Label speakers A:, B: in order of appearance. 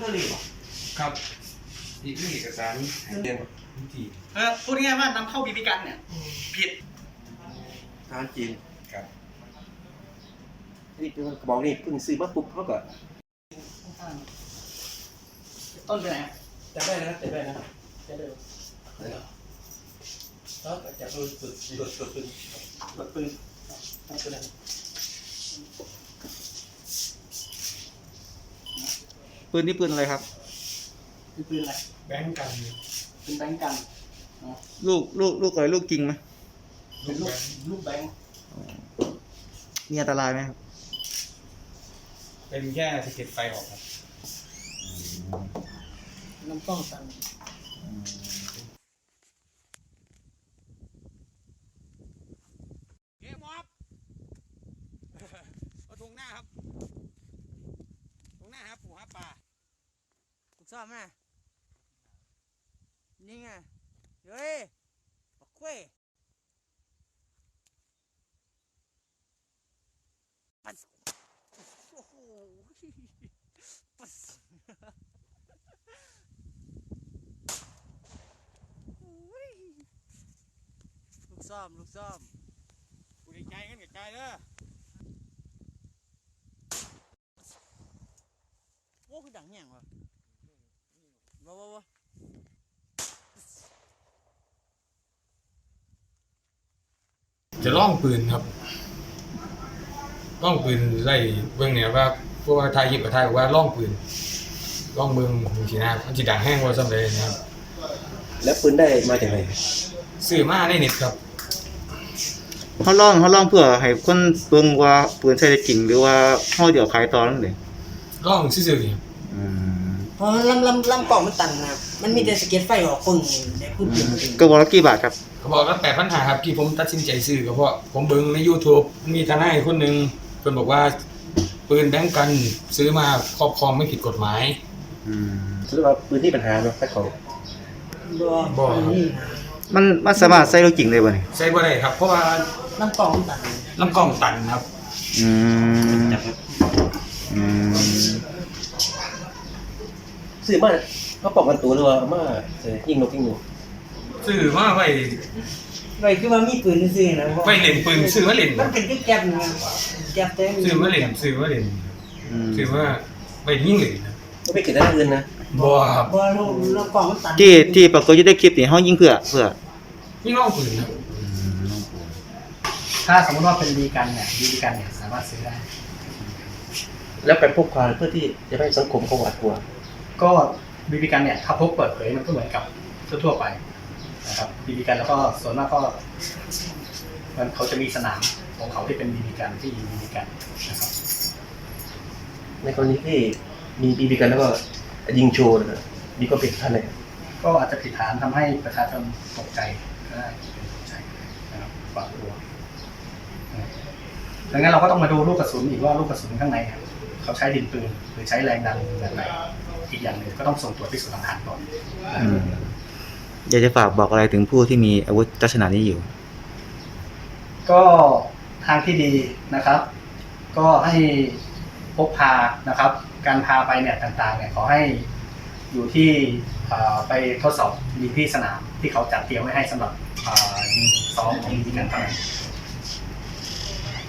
A: ก็รีบ
B: ครับอีกเอกสารเรียนที่
A: พูดง่ายๆว่านำเข้าบีบีกันเนี่ยผิด
C: ทหารจีน
B: ครับ
C: นี่เป็นกระบอกนี่เพิ่งซื้อมาปุ๊บเขาก็
A: ต้นไปไหน
C: จะได้นะจะได้นะ
A: จะเร็ว
C: เขาจะโดนสุดปืน
A: ปืน
D: นี่ปืนอะไรครับ
A: ปืนอะไร
B: แบงก์กัน
A: เป็นแบงก์กัน
D: ลูกอะไรลูกจริงไหม
A: เป็นลูกแบงก์
D: มีอันตรายไหมครับ
B: เป็นแค่สะเก็ดไฟออกครับ
A: น้ำกล้องตัน
B: เกมออฟเอาตรงหน้าครับตรงหน้าครับปู่หาป่า
E: ถูกชอบไหมนี่ไงเฮ้ยบักเว้ยปัสโอ้โหปัสลูกซ้อม
B: กูได้ใจกันกับใจเด้อ
E: โอ้คือดังแห้งว่ะว้า
B: จะล่องปืนครับล่องปืนไล่เบื้องเนี่ยว่าพวกไทยหยิบกับไทยบอกว่าล่องปืนล่องเมืองสีนามันจีดังแห้งว่าสำเร็จนะครับ
C: แล้วปืนได้มาจากไหน
B: ซื้อมาในเน็ตครับ
D: เขาล่องเพื่อให้คนเบิ่งว่าปืนใช้ได้จริงหรือว่าเขาเดี๋ยวขายต่อนั่นเอง
B: ล่องซื่อๆครับ
E: เพราะลำกล่องมันตันนะมันมีแต่สเก็ตไฟออกปึ้งได้พูดจริง
D: ก็บอกละกี่บาทครับ
B: เขาบอกว่า8,500ครับที่ผมตัดสินใจซื้อก็เพราะผมเบิ่งใน YouTube มีทนายคนหนึ่งเพิ่นบอกว่าปืนแบงก์กันซื้อมาครอบครองไม่ผิดกฎหมาย
C: ซื้อว่าปืนที่ปัญหาเนาะแต่เขา
B: บ่
D: มันสามารถใช้ได้จริงได้บ่นี่
B: ใช้บ่ได้ครับเพราะว่า
E: ลำกล่องตัน
B: ครับ
C: ซื้อมาเขาป้องกันตัวหรือว่ามายิงนกยิงหนู
B: ซื้อมาไว้
E: คือว่ามีปืนซื้อนะ
B: ไว้เล่นปืนซื้อมาเล่น
E: มันเป็นที่แก๊ปนะแก๊ปเต็ม
B: ซื้อมาเล่นซื้อมาไว้ยิงเล่น
C: ไม่ไปเกิดด้านอื่นนะ
B: บ่ครับ
E: บ่ลำกล่องมันตัน
D: ที่ปรากฏอยู่ในคลิปนี่เฮายิงเพื่อ
B: ยิงล่องปืนครับ
A: ถ้าสมมติว่าเป็นบีบีกันเนี่ยสามารถซื้อได้
C: แล้วไปพกพาเพื่อที่จะให้สังคมเขาหวาดกลัว
A: ก็บีบีกันเนี่ยถ้าพกเปิดเผยมันก็เหมือนกับทั่วไปนะครับบีบีกันแล้วก็ส่วนมากก็มันเขาจะมีสนามของเขาที่เป็นบีบีกันที่ยิงบีบีกันนะครับ
C: ในกรณีที่มีบีบีกันแล้วก็ยิงโชว์นะมีก็ผิดท่านเลย
A: ก็อาจจะผิดฐานทำให้ประชาชนตกใจก็ได้ตกใจนะครับหวาดกลัวดังนั้นเราก็ต้องมาดูลูกกระสุนอีกว่าลูกกระสุนข้างในเขาใช้ดินปืนหรือใช้แรงดันแบบไหนอีกอย่างหนึ่งก็ต้องส่งตรวจพิสูจน์หลักฐานก่อน
D: อยากจะฝากบอกอะไรถึงผู้ที่มีอาวุธลักษณะนี้อยู่
A: ก็ทางที่ดีนะครับ ก็ให้พกพานะครับการพาไปเนี่ยต่างๆเนี่ยขอให้อยู่ที่ไปทดสอบยิงที่สนามที่เขาจัดเตรียมไว้ให้สำหรับยิงซ้อมของยิงกันเท่านั้น